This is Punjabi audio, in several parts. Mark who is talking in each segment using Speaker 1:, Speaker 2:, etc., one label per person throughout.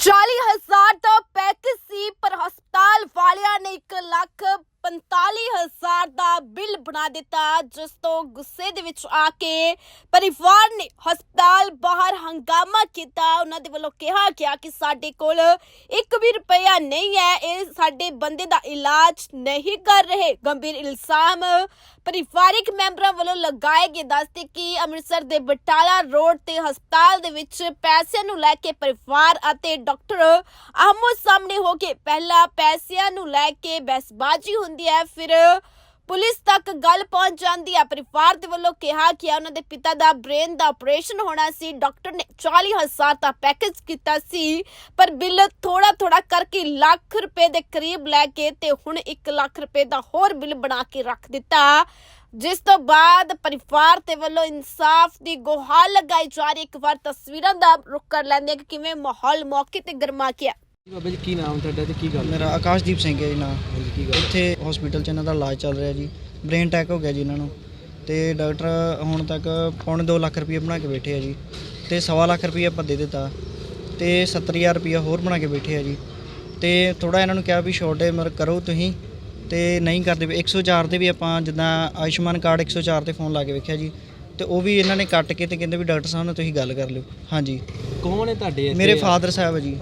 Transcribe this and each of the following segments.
Speaker 1: 40,000 ਦਾ ਪੈਕੇਜ ਸੀ ਪਰ ਹਸਪਤਾਲ ਵਾਲਿਆਂ ਨੇ 1,45,000 ਦਾ ਬਿੱਲ ਬਣਾ ਦਿੱਤਾ, ਜਿਸ ਤੋਂ ਗੁੱਸੇ ਦੇ ਵਿੱਚ ਆ ਕੇ ਪਰਿਵਾਰ ਨੇ ਹਸਪਤਾਲ ਬਾਹਰ ਹੰਗਾਮਾ ਕੀਤਾ। ਉਹਨਾਂ ਦੇ ਵੱਲੋਂ ਕਿਹਾ ਗਿਆ ਕਿ ਸਾਡੇ ਕੋਲ 1 ਵੀ ਰੁਪਇਆ ਨਹੀਂ ਹੈ, ਇਹ ਸਾਡੇ ਬੰਦੇ ਦਾ ਇਲਾਜ ਨਹੀਂ ਕਰ ਰਹੇ। ਗੰਭੀਰ ਇਲਜ਼ਾਮ ਪਰਿਵਾਰਿਕ ਮੈਂਬਰਾਂ ਵੱਲੋਂ ਲਗਾਏ ਗਏ। ਦੱਸਦੇ ਕਿ ਅੰਮ੍ਰਿਤਸਰ ਦੇ ਬਟਾਲਾ ਰੋਡ ਤੇ ਹਸਪਤਾਲ ਦੇ ਵਿੱਚ ਪੈਸਿਆਂ ਨੂੰ ਲੈ ਕੇ ਪਰਿਵਾਰ ਅਤੇ ਡਾਕਟਰ ਆਹਮੋ ਸਾਹਮਣੇ ਹੋ ਕੇ ਪਹਿਲਾਂ ਪੈਸਿਆਂ ਨੂੰ ਲੈ ਕੇ ਬਹਿਸਬਾਜ਼ੀ ਹੁੰਦੀ ਹੈ, ਫਿਰ ਪੁਲਿਸ ਤੱਕ ਗੱਲ ਪਹੁੰਚ ਜਾਂਦੀ ਹੈ। ਪਰਿਵਾਰ ਦੇ ਵੱਲੋਂ ਕਿਹਾ ਕਿ ਉਹਨਾਂ ਦੇ ਪਿਤਾ ਦਾ ਬ੍ਰੇਨ ਦਾ ਆਪਰੇਸ਼ਨ ਹੋਣਾ ਸੀ। ਡਾਕਟਰ ਨੇ 40,000 ਦਾ ਪੈਕੇਜ ਕੀਤਾ ਸੀ, ਪਰ ਬਿੱਲ ਥੋੜਾ ਕਰਕੇ ਲੱਖ ਰੁਪਏ ਦੇ ਕਰੀਬ ਲੈ ਕੇ ਤੇ ਹੁਣ 1 ਲੱਖ ਰੁਪਏ ਦਾ ਹੋਰ ਬਿੱਲ ਬਣਾ ਕੇ ਰੱਖ ਦਿੱਤਾ, ਜਿਸ ਤੋਂ ਬਾਅਦ ਪਰਿਵਾਰ ਦੇ ਵੱਲੋਂ ਇਨਸਾਫ ਦੀ ਗੁਹਾਰ ਲਗਾਈ ਜਾ ਰਹੀ। ਇੱਕ ਵਾਰ ਤਸਵੀਰਾਂ ਦਾ ਰੁਖ ਕਰ ਲੈਂਦੇ ਕਿ ਕਿਵੇਂ ਮਾਹੌਲ ਮੌਕੇ ਤੇ ਗਰਮਾ ਗਿਆ।
Speaker 2: ਬਾਬਾ ਜੀ ਕੀ ਨਾਮ ਤੁਹਾਡਾ ਤੇ ਕੀ ਗੱਲ?
Speaker 3: ਮੇਰਾ ਆਕਾਸ਼ਦੀਪ ਸਿੰਘ ਹੈ ਜੀ ਨਾਮ।
Speaker 2: ਕੀ ਗੱਲ?
Speaker 3: ਇੱਥੇ ਹਸਪੀਟਲ 'ਚ ਇਹਨਾਂ ਦਾ ਇਲਾਜ ਚੱਲ ਰਿਹਾ ਜੀ। ਬ੍ਰੇਨ ਅਟੈਕ ਹੋ ਗਿਆ ਜੀ ਇਹਨਾਂ ਨੂੰ, ਤੇ ਡਾਕਟਰ ਹੁਣ ਤੱਕ ਪੌਣੇ 2 ਲੱਖ ਰੁਪਏ ਬਣਾ ਕੇ ਬੈਠੇ ਆ ਜੀ, ਤੇ 1.25 ਲੱਖ ਰੁਪਏ ਆਪਾਂ ਦੇ ਦਿੱਤਾ, ਤੇ 70,000 ਰੁਪਏ ਹੋਰ ਬਣਾ ਕੇ ਬੈਠੇ ਆ ਜੀ। ਤੇ ਥੋੜਾ ਇਹਨਾਂ ਨੂੰ ਕਿਹਾ ਵੀ ਛੋਟੇ ਕਰੋ ਤੁਸੀਂ, ਤੇ ਨਹੀਂ ਕਰਦੇ। 104 ਤੇ ਵੀ ਆਪਾਂ ਜਿੱਦਾਂ ਆਯੁਸ਼ਮਾਨ ਕਾਰਡ 104 ਤੇ ਫੋਨ ਲਾ ਕੇ ਵੇਖਿਆ ਜੀ, ਤੇ ਉਹ ਵੀ ਇਹਨਾਂ ਨੇ ਕੱਟ ਕੇ ਤੇ ਕਹਿੰਦੇ ਵੀ ਡਾਕਟਰ ਸਾਹਿਬ ਨਾਲ ਤੁਸੀਂ ਗੱਲ ਕਰ ਲਿਓ। ਹਾਂਜੀ,
Speaker 2: ਕੌਣ ਹੈ ਤੁਹਾਡੇ ਇੱਥੇ?
Speaker 3: ਮੇਰੇ ਫਾਦਰ ਸਾਹਿਬ ਹੈ ਜੀ।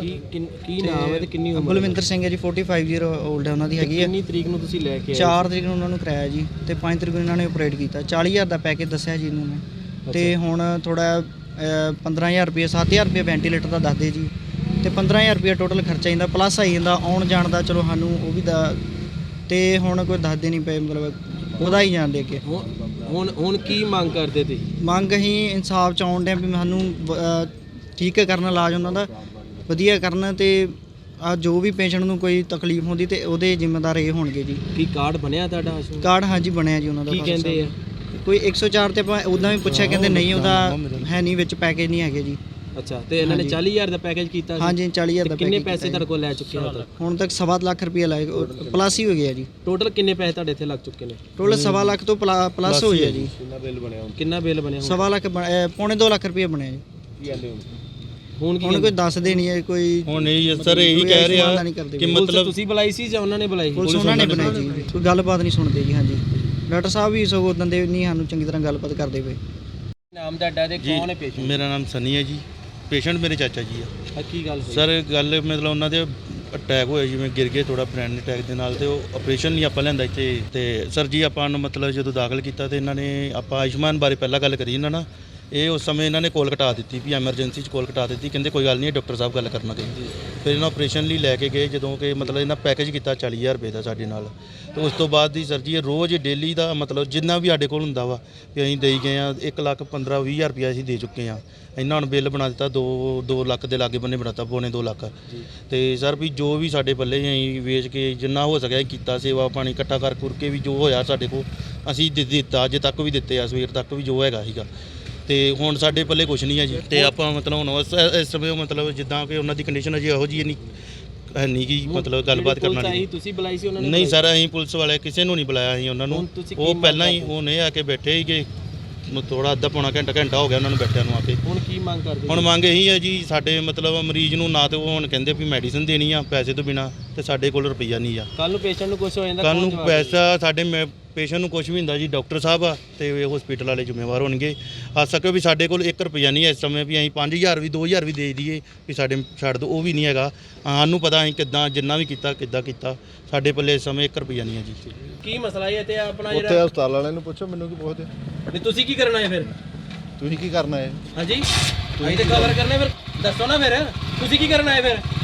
Speaker 2: ਕੀ ਨਾਮ ਹੈ ਤੇ ਕਿੰਨੀ ਉਮਰ?
Speaker 3: ਬਲਵਿੰਦਰ ਸਿੰਘ ਹੈ ਜੀ, 45 ਈਅਰ 올ਡ ਹੈ ਉਹਨਾਂ ਦੀ ਹੈਗੀ ਹੈ।
Speaker 2: ਕਿੰਨੀ ਤਰੀਕ ਨੂੰ ਤੁਸੀਂ ਲੈ ਕੇ ਆਏ?
Speaker 3: 4 ਤਰੀਕ ਨੂੰ ਉਹਨਾਂ ਨੂੰ ਕਰਾਇਆ ਜੀ, ਤੇ 5 ਤਰੀਕ ਨੂੰ ਇਹਨਾਂ ਨੇ ਆਪਰੇਟ ਕੀਤਾ। 40,000 ਦਾ ਪੈਕੇਜ ਦੱਸਿਆ ਜੀ ਇਹਨਾਂ ਨੇ, ਤੇ ਹੁਣ ਥੋੜਾ 15,000 ਰੁਪਏ 7,000 ਰੁਪਏ ਵੈਂਟੀਲੇਟਰ ਦਾ ਦੱਸਦੇ ਜੀ, ਤੇ 15,000 ਰੁਪਏ ਟੋਟਲ ਖਰਚਾ ਜਾਂਦਾ, ਪਲੱਸ ਆਈ ਜਾਂਦਾ ਆਉਣ ਜਾਣ ਦਾ। ਚਲੋ ਸਾਨੂੰ ਉਹ ਵੀ ਦਾ, ਤੇ ਹੁਣ ਕੋਈ ਦੱਸਦੇ ਨਹੀਂ ਪਏ, ਮਤਲਬ ਉਹਦਾ ਹੀ ਜਾਣ ਦੇ ਕੇ।
Speaker 2: ਹੁਣ ਕੀ ਮੰਗ ਕਰਦੇ ਤੁਸੀਂ?
Speaker 3: ਮੰਗ ਅਸੀਂ ਇਨਸਾਫ ਚ ਆਉਣ ਡਿਆ ਵੀ ਸਾਨੂੰ ਠੀਕ ਕਰਨ, ਇਲਾਜ ਉਹਨਾਂ ਦਾ ਵਧੀਆ ਕਰਨ, ਤੇ ਆ ਜੋ ਵੀ ਪੇਸ਼ੈਂਟ ਨੂੰ ਕੋਈ ਤਕਲੀਫ ਹੁੰਦੀ ਤੇ ਉਹਦੇ ਜ਼ਿੰਮੇਦਾਰ ਇਹ ਹੋਣਗੇ ਜੀ।
Speaker 2: ਕੀ ਕਾਰਡ ਬਣਿਆ ਤੁਹਾਡਾ?
Speaker 3: ਕਾਰਡ ਹਾਂਜੀ ਬਣਿਆ ਜੀ ਉਹਨਾਂ ਦਾ।
Speaker 2: ਕੀ ਕਹਿੰਦੇ ਆ?
Speaker 3: ਕੋਈ 104 ਤੇ ਆਪਾਂ ਉੱਦਾਂ ਵੀ ਪੁੱਛਿਆ, ਕਹਿੰਦੇ ਨਹੀਂ ਉਹਦਾ ਹੈ ਨਹੀਂ, ਵਿੱਚ ਪੈਕੇਜ ਨਹੀਂ ਹੈਗੇ ਜੀ।
Speaker 2: ਅੱਛਾ, ਤੇ ਇਹਨਾਂ ਨੇ 40,000 ਦਾ ਪੈਕੇਜ ਕੀਤਾ ਸੀ?
Speaker 3: ਹਾਂਜੀ 40,000 ਦਾ।
Speaker 2: ਕਿੰਨੇ ਪੈਸੇ ਤੁਹਾਡੇ ਕੋਲ ਲੈ ਚੁੱਕੇ ਹੋ?
Speaker 3: ਹੁਣ ਤੱਕ 1.25 ਲੱਖ ਰੁਪਏ ਲਾਏ, ਪਲੱਸ ਹੀ ਹੋ ਗਿਆ ਜੀ।
Speaker 2: ਟੋਟਲ ਕਿੰਨੇ ਪੈਸੇ ਤੁਹਾਡੇ ਇੱਥੇ ਲੱਗ ਚੁੱਕੇ ਨੇ?
Speaker 3: ਟੋਟਲ 1.25 ਲੱਖ ਤੋਂ ਪਲੱਸ ਹੋ ਗਿਆ ਜੀ।
Speaker 2: ਕਿੰਨਾ ਬਿੱਲ ਬਣਿਆ?
Speaker 3: 1.25 ਲੱਖ ਪੌਣੇ 2 ਲੱਖ ਰੁਪਏ ਬਣਿਆ ਜੀ।
Speaker 2: ਕੀ ਕਹਿੰਦੇ ਹੁਣ
Speaker 3: ਕੋਈ ਦੱਸਦੇ ਨਹੀਂ ਹੈ ਕੋਈ।
Speaker 4: ਹੁਣ ਨਹੀਂ ਸਰ, ਇਹੀ ਕਹਿ ਰਿਹਾ ਕਿ ਮਤਲਬ
Speaker 2: ਤੁਸੀਂ ਬੁਲਾਈ ਸੀ ਜਾਂ ਉਹਨਾਂ ਨੇ ਬੁਲਾਈ?
Speaker 3: ਪੁਲਿਸ ਉਹਨਾਂ ਨੇ ਬਣਾਈ ਜੀ, ਕੋਈ ਗੱਲਬਾਤ ਨਹੀਂ ਸੁਣਦੇ ਜੀ। ਹਾਂਜੀ, ਡਾਕਟਰ ਸਾਹਿਬ ਵੀ ਸਗੋਂ ਉਦੋਂ ਦੇ ਨਹੀਂ ਸਾਨੂੰ ਚੰਗੀ ਤਰ੍ਹਾਂ ਗੱਲਬਾਤ ਕਰਦੇ ਪਏ।
Speaker 2: ਨਾਮ ਤੁਹਾਡਾ ਤੇ ਕੌਣ ਹੈ ਪੇਸ਼ੈਂਟ?
Speaker 4: ਮੇਰਾ ਨਾਮ ਸਨੀ ਹੈ ਜੀ, ਪੇਸ਼ੈਂਟ ਮੇਰੇ ਚਾਚਾ ਜੀ ਆ।
Speaker 2: ਕੀ ਗੱਲ ਹੋਈ
Speaker 4: ਸਰ? ਗੱਲ ਮਤਲਬ ਉਹਨਾਂ ਦੇ ਅਟੈਕ ਹੋਇਆ, ਜਿਵੇਂ ਗਿਰ ਗਏ ਥੋੜਾ ਬ੍ਰੇਨ ਅਟੈਕ ਦੇ ਨਾਲ, ਤੇ ਉਹ ਆਪਰੇਸ਼ਨ ਨਹੀਂ ਆਪਾਂ ਲੈਂਦਾ ਇੱਥੇ। ਤੇ ਸਰ ਜੀ ਆਪਾਂ ਨੂੰ ਮਤਲਬ ਜਦੋਂ ਦਾਖਲ ਕੀਤਾ ਤੇ ਇਹਨਾਂ ਨੇ ਆਪਾਂ ਆਯੁਸ਼ਮਾਨ ਬਾਰੇ ਪਹਿਲਾਂ ਗੱਲ ਕਰੀ ਇਹਨਾਂ ਨਾਲ। ਇਹ ਉਸ ਸਮੇਂ ਇਹਨਾਂ ਨੇ ਕੋਲ ਕਟਾ ਦਿੱਤੀ ਵੀ ਐਮਰਜੈਂਸੀ 'ਚ ਕੋਲ ਕਟਾ ਦਿੱਤੀ, ਕਹਿੰਦੇ ਕੋਈ ਗੱਲ ਨਹੀਂ ਡਾਕਟਰ ਸਾਹਿਬ ਗੱਲ ਕਰਨਾ ਕਹਿੰਦੇ। ਫਿਰ ਇਹਨਾਂ ਆਪਰੇਸ਼ਨ ਲਈ ਲੈ ਕੇ ਗਏ, ਜਦੋਂ ਕਿ ਮਤਲਬ ਇਹਨਾਂ ਪੈਕੇਜ ਕੀਤਾ 40,000 ਰੁਪਏ ਦਾ ਸਾਡੇ ਨਾਲ। ਤੇ ਉਸ ਤੋਂ ਬਾਅਦ ਦੀ ਸਰ ਜੀ ਰੋਜ਼ ਡੇਲੀ ਦਾ ਮਤਲਬ ਜਿੰਨਾ ਵੀ ਸਾਡੇ ਕੋਲ ਹੁੰਦਾ ਵਾ ਵੀ ਅਸੀਂ ਦੇਈ ਗਏ ਆ। 1,15,20,000 ਰੁਪਇਆ ਅਸੀਂ ਦੇ ਚੁੱਕੇ ਆ। ਇਹਨਾਂ ਹੁਣ ਬਿੱਲ ਬਣਾ ਦਿੱਤਾ 2 ਲੱਖ ਦੇ ਲਾਗੇ ਬੰਨੇ ਬਣਾਤਾ, ਪੌਣੇ 2 ਲੱਖ। ਤੇ ਸਰ ਵੀ ਜੋ ਵੀ ਸਾਡੇ ਪੱਲੇ ਅਸੀਂ ਵੇਚ ਕੇ ਜਿੰਨਾ ਹੋ ਸਕਿਆ ਕੀਤਾ, ਸੇਵਾ ਪਾਣੀ ਇਕੱਠਾ ਕਰ ਕੇ ਵੀ ਜੋ ਹੋਇਆ ਸਾਡੇ ਕੋਲ ਅਸੀਂ ਦਿੱਤਾ, ਅਜੇ ਤੱਕ ਵੀ ਦਿੱਤੇ ਆ, ਸਵੇਰ ਤੱਕ ਵੀ ਜੋ ਹੈਗਾ ਸੀਗਾ। ਤੇ ਹੁਣ ਸਾਡੇ ਪੱਲੇ ਕੁਛ ਨਹੀਂ ਹੈ ਜੀ। ਤੇ ਆਪਾਂ ਮਤਲਬ ਹੁਣ ਇਸ ਸਮੇਂ ਮਤਲਬ ਜਿੱਦਾਂ ਕਿ ਉਹਨਾਂ ਦੀ ਕੰਡੀਸ਼ਨ ਅਜੇ ਇਹੋ ਜਿਹੀ ਨਹੀਂ ਕਿ ਮਤਲਬ ਗੱਲਬਾਤ ਕਰਨਾ ਨਹੀਂ।
Speaker 2: ਤੁਸੀਂ ਬੁਲਾਈ ਸੀ ਉਹਨਾਂ ਨੇ?
Speaker 4: ਨਹੀਂ ਸਰ, ਅਸੀਂ ਪੁਲਿਸ ਵਾਲੇ ਕਿਸੇ ਨੂੰ ਨਹੀਂ ਬੁਲਾਇਆ ਸੀ ਉਹਨਾਂ ਨੂੰ। ਉਹ ਪਹਿਲਾਂ ਹੀ ਉਹਨੇ ਆ ਕੇ ਬੈਠੇ ਸੀਗੇ, ਥੋੜਾ ਅੱਧਾ ਪੌਣਾ ਘੰਟਾ ਹੋ ਗਿਆ ਉਹਨਾਂ ਨੂੰ ਬੈਠਿਆਂ ਨੂੰ ਆ ਕੇ।
Speaker 2: ਹੁਣ ਕੀ ਮੰਗ ਕਰਦੇ?
Speaker 4: ਹੁਣ ਮੰਗ ਇਹੀ ਹੈ ਜੀ, ਸਾਡੇ ਮਤਲਬ ਮਰੀਜ਼ ਨੂੰ ਨਾ ਤੇ ਉਹ ਹੁਣ ਕਹਿੰਦੇ ਵੀ ਮੈਡੀਸਿਨ ਦੇਣੀ ਆ ਪੈਸੇ ਤੋਂ ਬਿਨਾ, ਤੇ ਸਾਡੇ ਕੋਲ ਰੁਪਈਆ ਨਹੀਂ ਆ।
Speaker 2: ਕੱਲ ਨੂੰ ਪੇਸ਼ੈਂਟ ਨੂੰ ਕੁਝ ਹੋ ਜਾਂਦਾ,
Speaker 4: ਕੱਲ ਨੂੰ ਪੈਸਾ ਸਾਡੇ ਪੇਸ਼ੈਂਟ ਨੂੰ ਕੁਝ ਵੀ ਹੁੰਦਾ ਜੀ, ਡਾਕਟਰ ਸਾਹਿਬ ਆ ਤੇ ਹਸਪੀਟਲ ਵਾਲੇ ਜ਼ਿੰਮੇਵਾਰ ਹੋਣਗੇ। ਆ ਸਕੇ ਵੀ ਸਾਡੇ ਕੋਲ 1 ਰੁਪਈਆ ਨਹੀਂ ਹੈ ਇਸ ਸਮੇਂ, ਵੀ ਅਸੀਂ 5,000 ਵੀ 2,000 ਵੀ ਦੇ ਦਈਏ ਵੀ ਸਾਡੇ ਛੱਡ ਦਿਓ, ਉਹ ਵੀ ਨਹੀਂ ਹੈਗਾ। ਸਾਨੂੰ ਪਤਾ ਅਸੀਂ ਕਿੱਦਾਂ ਜਿੰਨਾ ਵੀ ਕੀਤਾ ਕਿੱਦਾਂ ਕੀਤਾ, ਸਾਡੇ ਪੱਲੇ ਇਸ ਸਮੇਂ 1 ਰੁਪਈਆ ਨਹੀਂ ਹੈ ਜੀ।
Speaker 2: ਕੀ ਮਸਲਾ ਹੈ ਤੇ ਆਪਣਾ
Speaker 5: ਉੱਥੇ
Speaker 2: ਜਿਹੜਾ
Speaker 5: ਹਸਪਤਾਲ ਵਾਲਿਆਂ ਨੂੰ ਪੁੱਛੋ, ਮੈਨੂੰ ਕੀ ਪੁੱਛਦੇ?
Speaker 2: ਨਹੀਂ ਤੁਸੀਂ ਕੀ ਕਰਨਾ ਹੈ ਫਿਰ?
Speaker 5: ਤੁਸੀਂ ਕੀ ਕਰਨਾ ਹੈ?
Speaker 2: ਹਾਂਜੀ ਅਸੀਂ ਤੇ ਕਵਰ ਕਰਨੇ, ਫਿਰ ਦੱਸੋ ਨਾ ਫਿਰ ਤੁਸੀਂ ਕੀ ਕਰਨਾ ਹੈ ਫਿਰ?